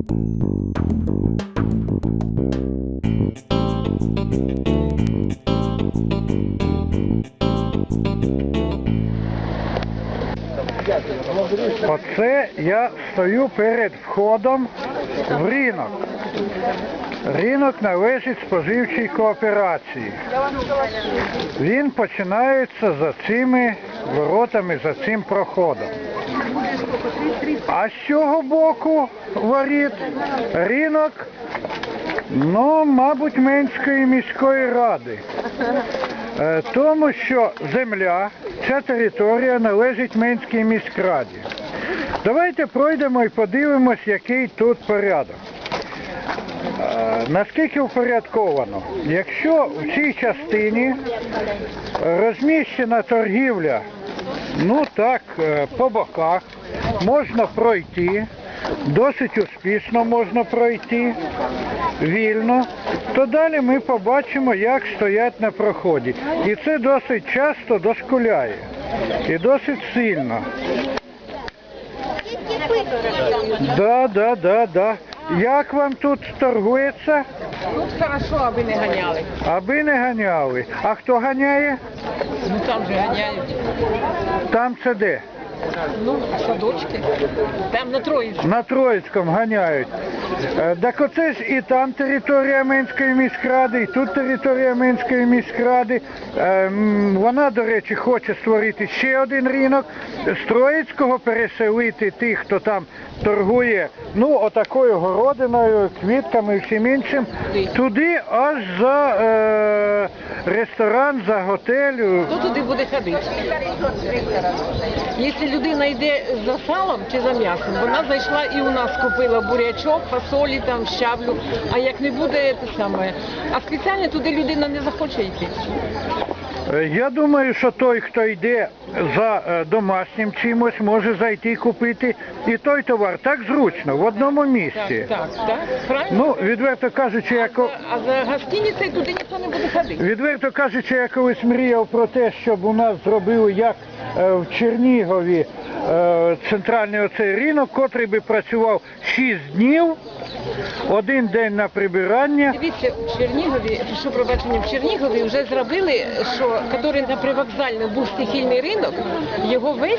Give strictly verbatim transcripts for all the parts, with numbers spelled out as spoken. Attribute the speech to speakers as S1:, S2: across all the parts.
S1: Оце я стою перед входом в ринок. Ринок належить споживчій кооперації. Він починається за цими воротами, за цим проходом. А з цього боку воріт ринок, ну, мабуть, Менської міської ради. Тому що земля, ця територія належить Менській міськраді. Давайте пройдемо і подивимось, який тут порядок. Наскільки упорядковано? Якщо в цій частині розміщена торгівля, ну так, по боках, можна пройти, досить успішно можна пройти, вільно, то далі ми побачимо, як стоять на проході. І це досить часто дошкуляє. І досить сильно. Да, да, да, да. Як вам тут торгується?
S2: Тут хорошо, аби не ганяли.
S1: Аби не ганяли. А хто ганяє?
S2: Ну там же ганяють.
S1: Там це де?
S2: Ну, садочки. Там на Троїцькому.
S1: На Троїцькому ганяють. Е, Так оце ж і там територія Менської міськради, і тут територія Менської міськради. Е, м, Вона, до речі, хоче створити ще один ринок. З Троїцького переселити тих, хто там торгує, ну, отакою городиною, квітками і всім іншим, туди аж за е, ресторан, за готель.
S2: Хто туди буде ходити? Якщо людина йде за салом чи за м'ясом, вона зайшла і у нас купила бурячок, фасолі, там, щавлю, а як не буде, те саме. А спеціально туди людина не захоче йти.
S1: Я думаю, що той, хто йде за е, домашнім чимось, може зайти і купити і той товар. Так зручно, в одному місці.
S2: Так, так, так, правильно?
S1: Ну, відверто кажучи, я, ко-
S2: А за гостиницею туди ніхто не буде ходити.
S1: відверто кажучи, я колись мріяв про те, щоб у нас зробили, як е, в Чернігові, е, центральний оцей ринок, котрий би працював шість днів, один день на прибирання.
S2: Дивіться, в Чернігові, що пробачення, в Чернігові вже зробили, що, який на привокзальному був стихійний ринок, його весь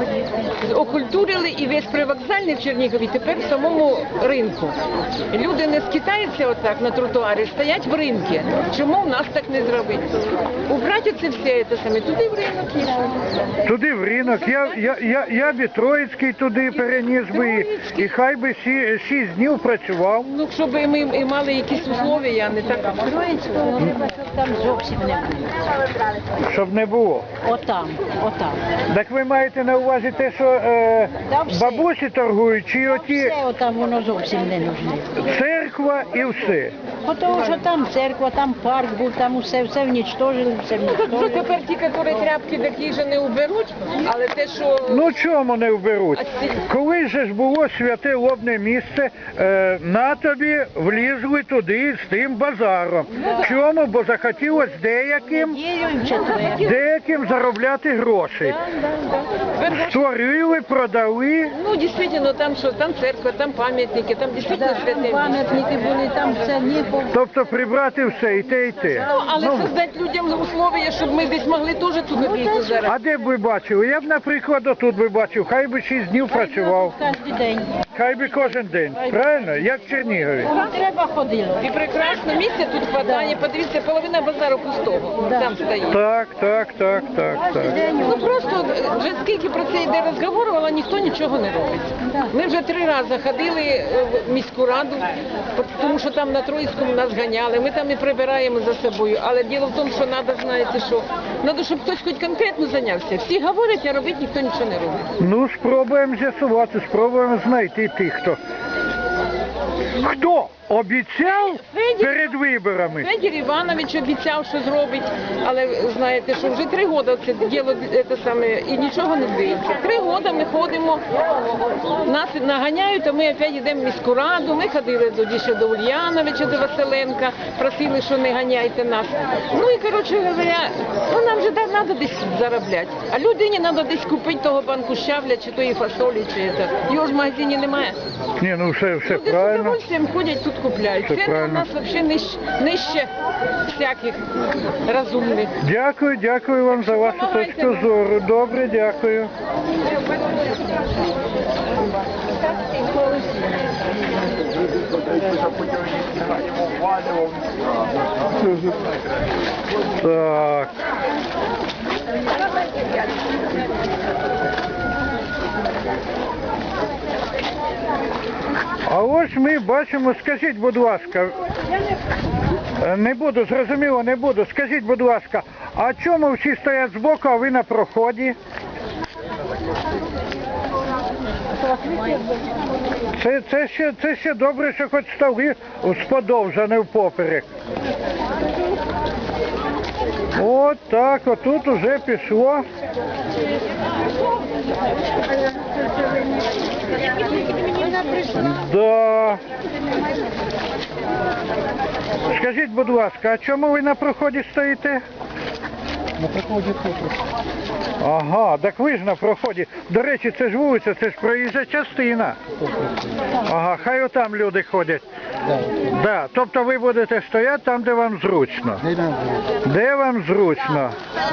S2: окультурили і весь привокзальний в Чернігові тепер в самому ринку. Люди не скитаються отак на тротуарі, стоять в ринку. Чому в нас так не зробити? Убрати це все, це саме, туди в ринок і все.
S1: Туди в ринок, я, я, я, я б і Троїцький туди переніс би, і, і хай би сі, шість днів працював.
S2: Ну, щоб ми і мали якісь условия, а не так.
S3: Троїцького треба, щоб там зовсім не було.
S1: Щоб не було.
S3: Отам, отам.
S1: Так ви маєте на увазі те, що е,
S3: Та все.
S1: бабусі торгують, чи оті
S3: Все отам воно зовсім не нужне.
S1: церква і все?
S3: Тому що там церква, там парк був, там усе, все внічтожили, все
S2: Ну, так вже
S3: внічтожили.
S2: тепер ті, які тряпки такі ж не уберуть, але те, що...
S1: Ну чому не вберуть? Коли же ж було святе лобне місце, е, на тобі влізли туди з тим базаром. Чому? Бо захотілося деяким,
S3: Неділю і в четвер.
S1: деяким заробляти гроші.
S2: Тепер,
S1: Створили, продали.
S2: ну, дійсно, там що, там церква, там пам'ятники, там дійсно
S3: Да,
S2: святе
S3: там
S2: місце.
S3: пам'ятники були, там все ніхо.
S1: Тобто прибрати все, і те, і те.
S2: Ну, але
S1: Ну,
S2: создати людям условия, щоб ми десь могли теж ту копійку зараз.
S1: а де б ви бачили? Я б, наприклад, отут би бачив, хай би шість днів працював.
S3: Кожен день.
S1: Хай би кожен день. Правильно? Як в Чернігові.
S3: Треба ходило.
S2: І прекрасно місця тут хватає, подивіться, половина базару пустого,
S3: Да.
S2: там стоїть.
S1: Так, так, так, так, так.
S2: Ну просто вже скільки про це йде розговору, але ніхто нічого не робить. Ми вже три рази ходили е, в міську раду, тому що там на Троїцькому нас ганяли, ми там і прибираємо за собою. Але діло в тому, що треба, знаєте що, треба, щоб хтось хоч конкретно зайнявся. Всі говорять, а робити ніхто нічого не робить.
S1: Ну, спробуємо з'ясувати, спробуємо знайти тих, хто. Хто обіцяв
S2: Федір-
S1: перед виборами?
S2: Федір Іванович обіцяв, що зробить, але знаєте, що вже три роки це діло це саме і нічого не дивиться. Три роки ми ходимо, нас наганяють, а ми опять йдемо в міську раду. Ми ходили тоді ще до Ульяновича, до Василенка, просили, що не ганяйте нас. Ну і коротше говоря, ну нам вже треба десь заробляти. А людині треба десь купити того банку щавля, чи тої фасолі, чи це. Його ж в магазині немає.
S1: Ні, ну все, все
S2: Люди з
S1: правильно.
S2: удовольствием ходять тут купляють.
S1: Все
S2: Це у
S1: правильно.
S2: нас взагалі нижче, нижче всяких розумних.
S1: Дякую, дякую вам за вашу
S2: Допомагайте
S1: точку
S2: нам.
S1: зору. Добре, дякую. Так. А ось ми бачимо, скажіть, будь ласка, е, не буду, зрозуміло, не буду. Скажіть, будь ласка, а чому всі стоять збоку, а ви на проході? Це, це, ще, це ще добре, що хоч столи всподовж, а не впоперек. От так, отут уже пішло. Да. Скажіть, будь ласка, а чому ви на проході стоїте?
S4: На проході тут.
S1: Ага, так ви ж на проході. До речі, це ж вулиця, це ж проїжджа частина. Ага, хай отам люди ходять.
S4: Да.
S1: Да, тобто ви будете стояти там, де вам зручно.
S4: Де нам зручно?
S1: Де вам зручно?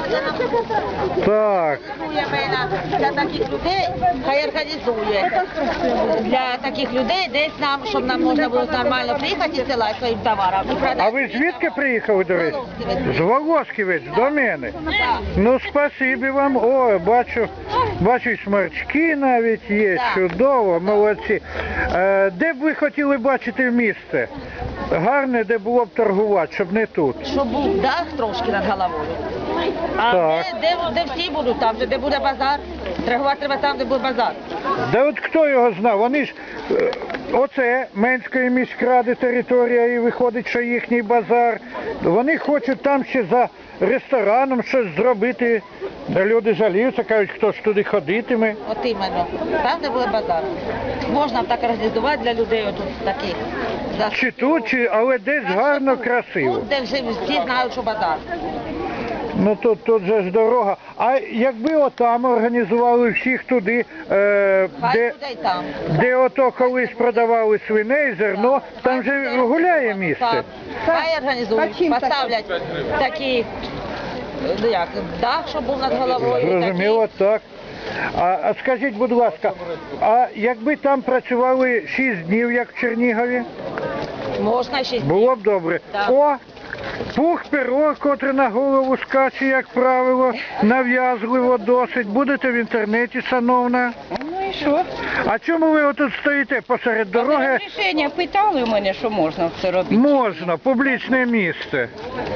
S1: Так.
S5: Для таких людей хай організує. Для таких людей десь нам, щоб нам можна було нормально приїхати і села своїм товаром. І продати.
S1: А ви звідки приїхали, до речі? З Волошківець, до мене. Ну, спасибі вам. О, бачу, бачу, і сморчки навіть є. Чудово, молодці. Е, де б ви хотіли бачити місце? Гарне, де було б торгувати, щоб не тут.
S5: Щоб був дах трошки над головою. А
S1: Так.
S5: де, де, де всі будуть там, де буде базар. Торгувати треба там, де буде базар.
S1: Да от хто його знав? Вони ж, е, оце Менської міськради територія і виходить, що їхній базар. Вони хочуть там ще за рестораном щось зробити. Люди жаліються, кажуть, хто ж туди ходитиме.
S5: От іменно. Там, де буде базар. Можна так організувати для людей отут таких. За-
S1: Чи тут, чи, але десь гарно, красиво.
S5: Тут, де вже всі знають, що базар.
S1: Ну тут, тут же ж дорога. А якби отам організували всіх туди, е,
S5: Хай
S1: де,
S5: буде й там.
S1: де ото колись продавали свиней, зерно, там же гуляє місце.
S5: Так. Хай організують, поставлять такі, ну як, дах, щоб був над головою.
S1: Зрозуміло, так. А, а скажіть, будь ласка, а якби там працювали шість днів, як в Чернігові,
S5: такі. Можна ще
S1: було б добре.
S5: Так.
S1: О, пух перо, котре на голову скаче, як правило, нав'язливо досить. Будете в інтернеті, шановна.
S6: Ну і що?
S1: А чому ви отут стоїте посеред дороги?
S6: Рішення питали у мене, що можна це робити.
S1: Можна, публічне місце.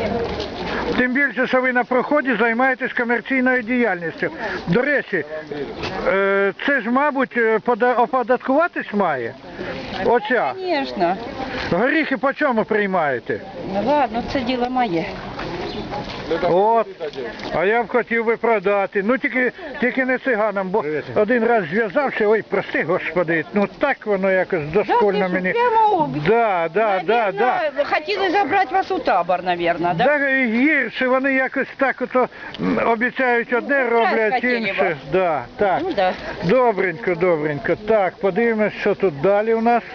S1: Тим більше, що ви на проході займаєтесь комерційною діяльністю. До речі, е, це ж, мабуть, е, пода- оподаткуватись має? Оця.
S6: Звісно.
S1: Горіхи по чому приймаєте?
S6: Ну ладно, це діло моє.
S1: От. А я б хотів би продати. Ну тільки, тільки не циганам, бо один раз зв'язався, ой, прости, господи, ну так воно якось дошкольно
S6: ти
S1: мені.
S6: що, прямо об-
S1: Да, да, да, да.
S6: Наверно, хотіли забрати вас у табор, мабуть, да?
S1: Да, і гірше, вони якось так ото м, обіцяють одне, роблять
S6: хотіли
S1: інше.
S6: вас.
S1: Да, так.
S6: Ну да.
S1: Добренько, добренько. Так, подивимось, що тут далі у нас.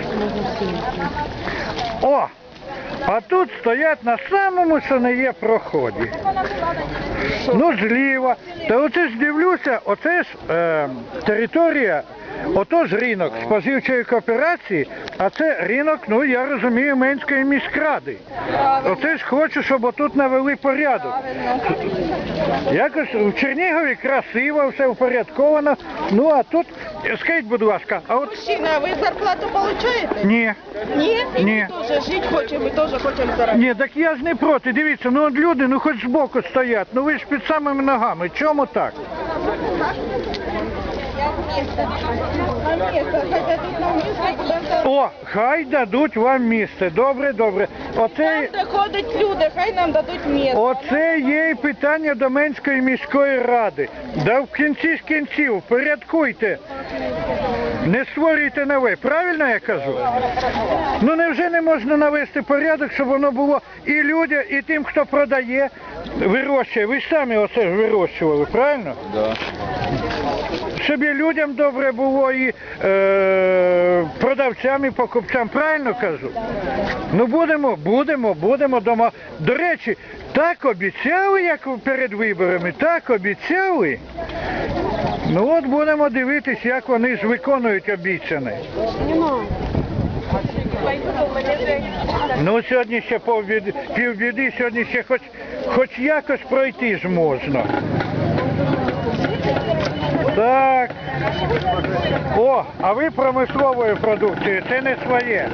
S1: О! А тут стоять на самому, що не є проході. Ну, зліва. Та оце ж дивлюся, оце ж е, територія, ото ж ринок споживчої кооперації, а це ринок, ну я розумію, Менської міськради. Оце ж хочу, щоб отут навели порядок. Якось в Чернігові красиво, все впорядковано. Ну а тут, скажіть, будь ласка, а от
S7: Мужчина, а ви зарплату получаєте?
S1: ні.
S7: Ні? І
S1: Ні.
S7: ми теж жити хочемо, ми теж хочемо заробити.
S1: Ні, так я ж не проти. Дивіться, ну от люди, ну хоч збоку стоять, ну ви ж під самими ногами. Чому так?
S7: А місце, хоча тут на місце буде заробити.
S1: О, хай дадуть вам місце. Добре, добре. Оце,
S7: Там, де ходять люди, хай нам дадуть місце.
S1: оце є й питання до Менської міської ради. Да в кінці ж кінців порядкуйте. Не створюйте нове. Правильно я кажу? Ну невже не можна навести порядок, щоб воно було і людям, і тим, хто продає, вирощує. Ви ж самі оце ж вирощували, правильно?
S4: Да.
S1: Щоб і людям добре було, і е, продавцям, і покупцям, правильно кажу? Ну будемо, будемо, будемо дома. До речі, так обіцяли, як перед виборами, так обіцяли. Ну от будемо дивитись, як вони ж виконують обіцяне. Ну сьогодні ще півбіди, півбіди, сьогодні ще хоч, хоч якось пройти ж можна. Так. О, а ви промисловою продукцією, це не своє.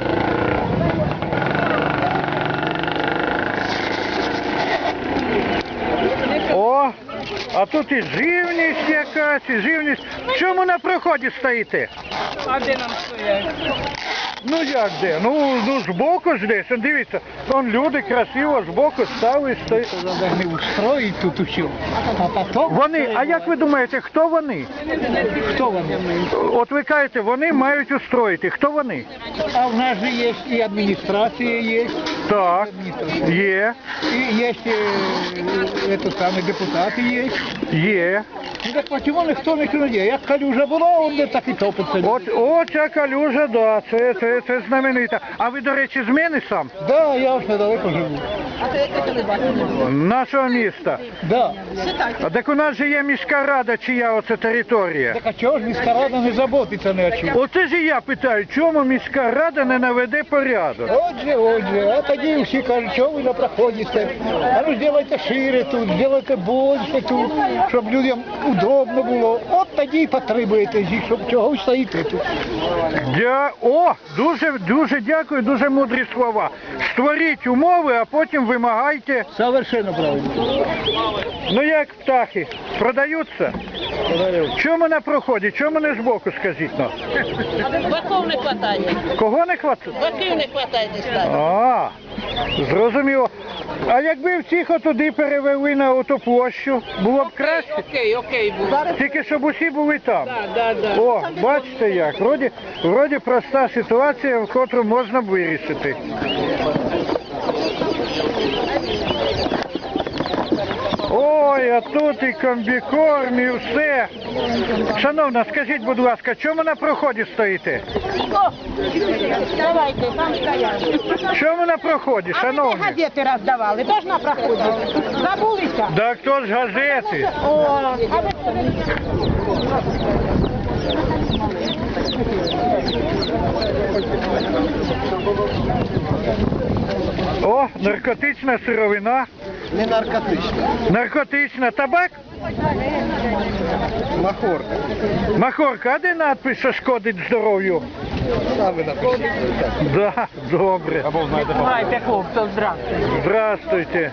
S1: О, а тут і живність якась, і живність. В чому на проході стоїте?
S6: А де нам стоять?
S1: Ну як де? Ну, ну збоку ж десь, он дивіться, вон люди красиво збоку стали, стоять.
S4: Должны устроить тут все. А потом...
S1: Вони, а як ви думаєте, хто вони?
S4: Кто вам?
S1: От ви кажете, вони мають устроїти. Хто вони?
S4: А у нас же есть и администрация есть,
S1: Так, є,
S4: и есть э, это самые депутаты есть.
S1: є.
S4: Ну так почему никто не делает? Як калюжа була, он де так і топиться.
S1: От, о, ця калюжа, да, це, це, це знаменита. А ви, до речі, з мене сам?
S4: Да, я ось недалеко живу.
S1: Нашого міста.
S4: Да.
S1: А так у нас же є міська рада, чия оце територія.
S4: Так а чого ж міська рада не заботиться ні о чому?
S1: Оце ж і я питаю, чому міська рада не наведе порядок?
S4: Отже, отже, а тоді всі кажуть, що ви не проходите. А ну зробайте шире тут, зробайте більше тут, щоб людям удобно було. От тоді і потребуєте їх, щоб чого стоїте тут.
S1: Дя... О, дуже, дуже дякую, дуже мудрі слова. Створіть умови, а потім вимагайте.
S4: Совершенно правильно.
S1: Ну як птахи, продаються? Чому на проході, чому не збоку, скажіть нам?
S5: Баков не хватає.
S1: Кого не хватить?
S5: Баків не хватає десь там.
S1: А, зрозуміло. А якби всіх отуди перевели на оту площу, було б краще?
S2: Окей, окей, був.
S1: Тільки щоб усі були там.
S2: Да, да.
S1: О, бачите як, вроді, вроді проста ситуація, в котру можна б вирішити. Ой, а тут і комбікорм, і все. Шановна, скажіть, будь ласка, чому на проході стоїте?
S7: Давайте, там стоять.
S1: Чому на проході,
S7: А ви не
S1: шановні?
S7: газети роздавали, теж на проході. Забулися?
S1: Да хто ж газети?
S7: О, а ви...
S1: О, наркотична сировина.
S4: Не наркотична.
S1: Наркотична табак?
S4: Махорка.
S1: Махорка, а де надпис, що шкодить здоров'ю?
S4: Саме напишіть.
S1: Да, добре.
S4: Або знаєте,
S2: Майте, хлопців, здравствуйте.
S1: Здравствуйте.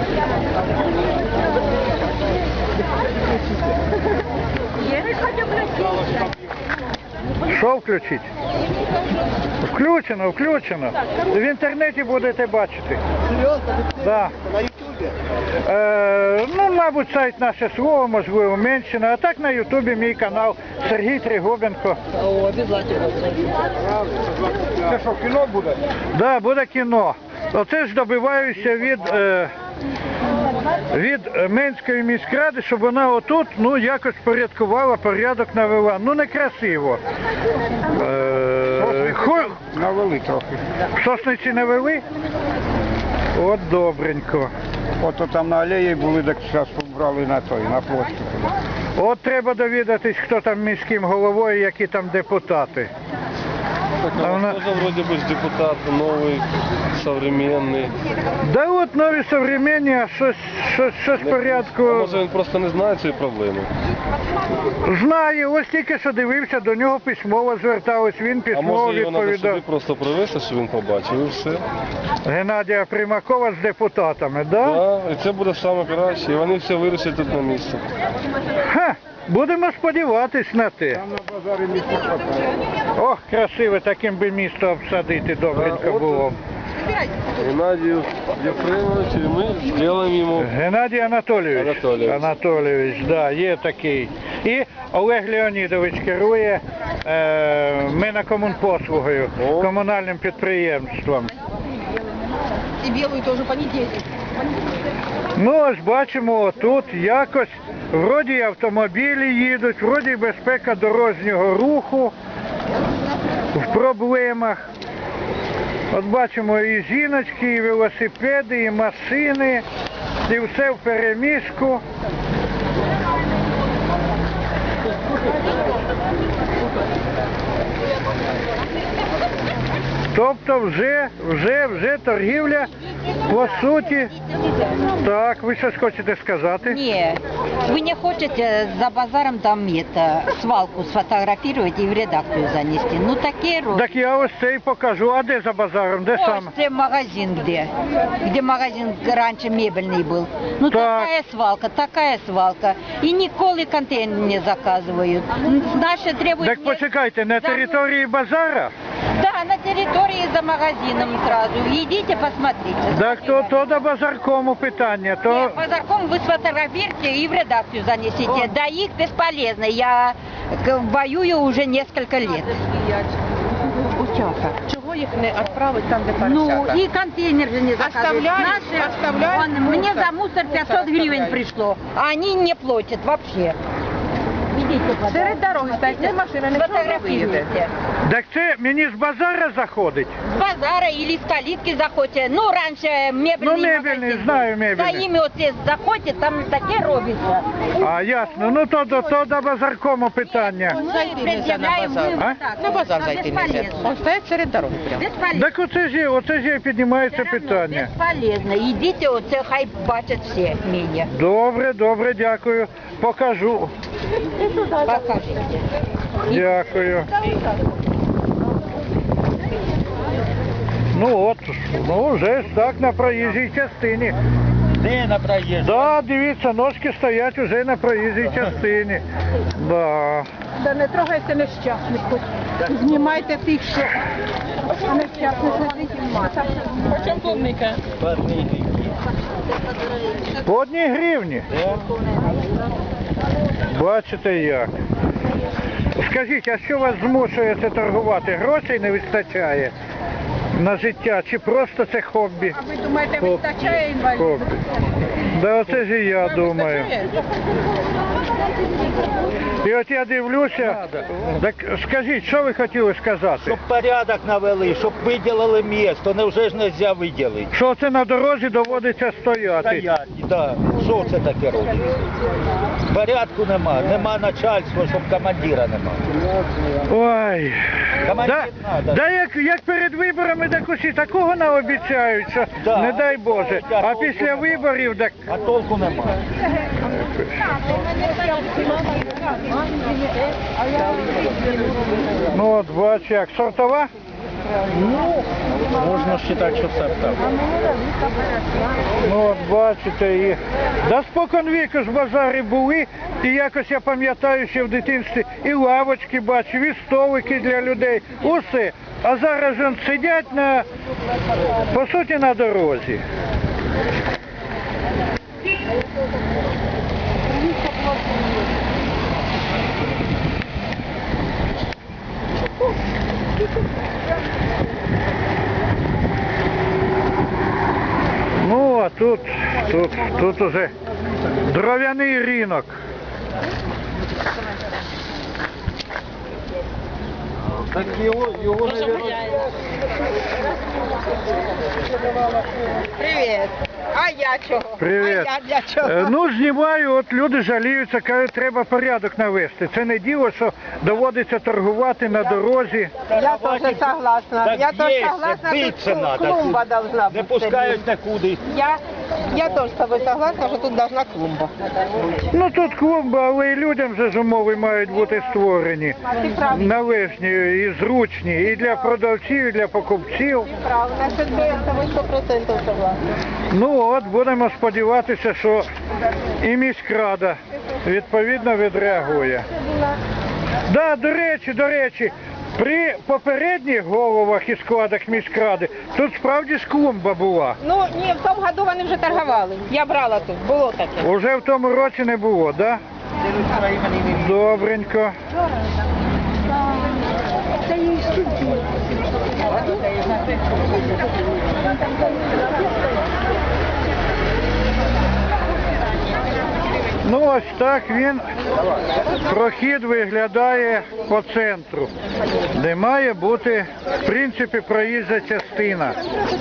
S1: Що включить? Включено, включено. В інтернеті будете бачити. Да.
S4: на ютубі?
S1: Е, ну, мабуть, сайт «Наше слово», можливо, Менщина, а так на ютубі мій канал Сергій Тригубенко.
S4: Це що, кіно буде?
S1: Да, буде кіно. Оце ж добиваюся від, е, від е, Менської міськради, щоб вона отут, ну, якось порядкувала, порядок навела. Ну, некрасиво. Е, хо...
S4: Навели трохи.
S1: Сосниці навели? От добренько.
S4: Ото там на алеї були, так зараз побрали на той, на площу.
S1: От треба довідатись, хто там міським головою, які там депутати. А вона-
S8: Тоже вроде бы ж депутат новый, современный.
S1: Да от нові современні, а щось, щось, щось в порядку.
S8: Може він просто не знає цієї проблеми.
S1: Знаю, ось тільки що дивився, до нього письмово звертались, він
S8: А
S1: письмово
S8: може його треба сюди
S1: відповідав.
S8: просто привезти, щоб він побачив і все.
S1: Геннадія Примакова з депутатами, да?
S8: Да, і це буде саме краще. І вони все вирішать тут на місці.
S1: Ха, А, будемо сподіватись на те. Ох, красиве, таким би місто обсадити добренько було.
S8: Геннадию Ефремовичу, и мы сделаем ему...
S1: Геннадій Анатолійович.
S8: Анатолійович.
S1: Анатолійович, да, є такий. І Олег Леонідович керує е, Минокомунпослугою,
S8: О.
S1: комунальним підприємством.
S7: І білою теж понедільник.
S1: Ну, ось бачимо, тут якось, вроді й автомобілі їдуть, вроді й безпека дорожнього руху в проблемах. От бачимо і жіночки, і велосипеди, і машини, і все в переміжку. Тобто вже, вже, вже торгівля, по суті. Так, ви щось хочете сказати?
S3: Не, вы не хотите за базаром там это, свалку сфотографировать и в редакцию занести. Ну такие роли.
S1: Так я ось це і покажу. А де за базаром? Де саме?
S3: Ось це магазин где. Где магазин раньше мебельный был. Ну
S1: Так.
S3: такая свалка, такая свалка. И ніколи контейнер не заказывают. Наши требуют...
S1: Так
S3: не-
S1: почекайте, на
S3: за-
S1: території базара?
S3: Да, на территории за магазином сразу. Идите, посмотрите.
S1: Так то, то до базаркому питання, то...
S3: Нет, базарком вы сфотографируете и в редакцию занесите. Да их бесполезно. Я к- воюю уже несколько лет.
S7: Чого їх не відправити там, де
S3: Ну
S7: поросята?
S3: и контейнер же не заказывают.
S7: Оставляют,
S3: Наши-
S7: оставляют
S3: Вон, мне
S7: мусор.
S3: за мусор пятьсот гривен
S7: оставляют.
S3: пришло, а они не платят вообще. Идите,
S7: Серед дороги стоять, не машина, нічого не виїде.
S3: сфотографируйте.
S1: Так це мені з базара заходить?
S3: С базара или с калитки заходите. Ну, раньше мебельный
S1: Ну, мебельный,
S3: магазин был.
S1: знаю, мебельный.
S3: За ими вот здесь заходите, там таке робится.
S1: А, ясно. Ну то, то, то до базаркому питання.
S7: Зайти нельзя на
S3: Предъявляем,
S7: базар.
S3: мы
S1: А?
S3: вот так.
S7: На базар
S3: А
S7: зайти нельзя.
S3: бесполезно.
S7: Он стоять серед дороги прямо.
S3: Бесполезно.
S1: Так оце ж, є- оце ж і піднімається
S3: Все равно
S1: питання.
S3: Бесполезно. Идите, оце хай бачать все меня.
S1: Добре, добре, дякую. Покажу.
S3: Покажите.
S1: Дякую. Ну от, ну вже ж так на проїжджій частині.
S4: Де на проїзд?
S1: Да, дивіться, ножки стоять уже на проїжджій частині. Да.
S7: Да не трогайте нещасних, хоч знімайте тих, що а нещасних не знімати. Почем клубника?
S1: По одній гривні. Бачите як. Скажіть, а що вас змушує це торгувати? Грошей не вистачає на життя чи просто це хобі?
S7: А ви думаєте, вистачає інвалідів?
S1: Хобі. Да оце ж і я думаю. І от я дивлюся, так скажіть, що ви хотіли сказати?
S4: Щоб порядок навели, щоб виділили місто, невже ж не можна виділити?
S1: Що це на дорозі доводиться стояти?
S4: Стоять, так. Що це таке робить? Порядку нема, нема начальства, щоб командира нема.
S1: Ой.
S4: Командир
S1: Да,
S4: надо.
S1: да як, як перед виборами так усі такого наобіцяють, що
S4: Да.
S1: не дай Боже. А після виборів так.
S4: А толку нема.
S1: Ну от бач як. Сортова?
S4: Можна вважати, що це так.
S1: Ну от бачите, і да спокон віку ж в базарі були, і якось я пам'ятаю ще в дитинстві і лавочки бачив, і столики для людей, усе. А зараз ж он сидять на, по суті, на дорозі. Ну, а тут, тут, тут уже дров'яний ринок.
S4: Так його, його не
S7: Привіт. А я чого?
S1: Привіт.
S7: А я для чого?
S1: Е, Ну, знімаю, от люди жаліються, кажуть, треба порядок навести. Це не діло, що доводиться торгувати на дорозі.
S7: Я теж согласна.
S4: Так
S7: Я теж
S4: є,
S7: согласна,
S4: биться
S7: тут
S4: надо.
S7: клумба должна
S4: Не
S7: бути.
S4: пускають нікуди.
S7: Я, я теж з тобою согласна, що тут должна клумба.
S1: Ну тут клумба, але і людям же ж умови мають бути створені.
S7: Ти правильно.
S1: Належні і зручні, і для продавців, і для покупців.
S7: Правильно, це я з тобою сто відсотків согласна.
S1: Ну от, будемо сподіватися, що і міськрада відповідно відреагує. Да, до речі, до речі, при попередніх головах і складах міськради тут справді ж клумба була.
S7: Ну ні, в тому году вони вже торгували. Я брала тут, було таке.
S1: Уже в тому році не було, да? Добренько. Ну ось так він, прохід виглядає по центру, де має бути, в принципі, проїжджа частина.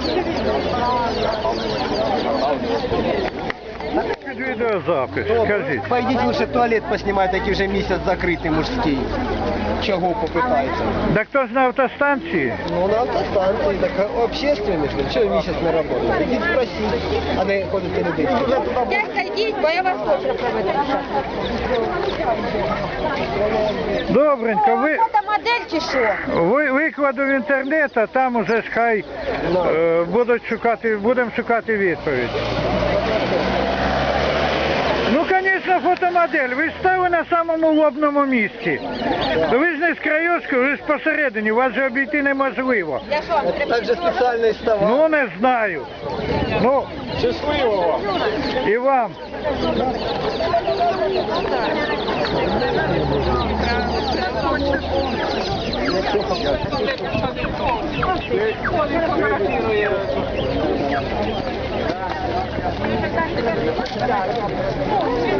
S1: Під відеозапис, скажіть.
S9: Пойдіть лише туалет поснімайте, який вже місяць закритий мужський. Чого попитається?
S1: Так хто ж на автостанції?
S9: Ну на автостанції, так общественний, що місяць не працює. Ідіть спросіть, а не ходите людей.
S7: Дядька, йдіть, бо я вас хочу проведу.
S1: Добренько, ви,
S7: Фотомодель чи що?
S1: ви викладу в інтернет, а там уже ж хай е, будуть шукати, будемо шукати відповідь. Ну, звісно, фотомодель. Ви ж стали на самому лобному місці. Ви ж не з краєчку, ви ж посередині, вас же обійти неможливо.
S7: Я що, вам треба?
S9: Так же спеціальний ставав.
S1: Ну, не знаю. Ну,
S9: Щасливо!
S1: і вам.
S9: Фотографірує.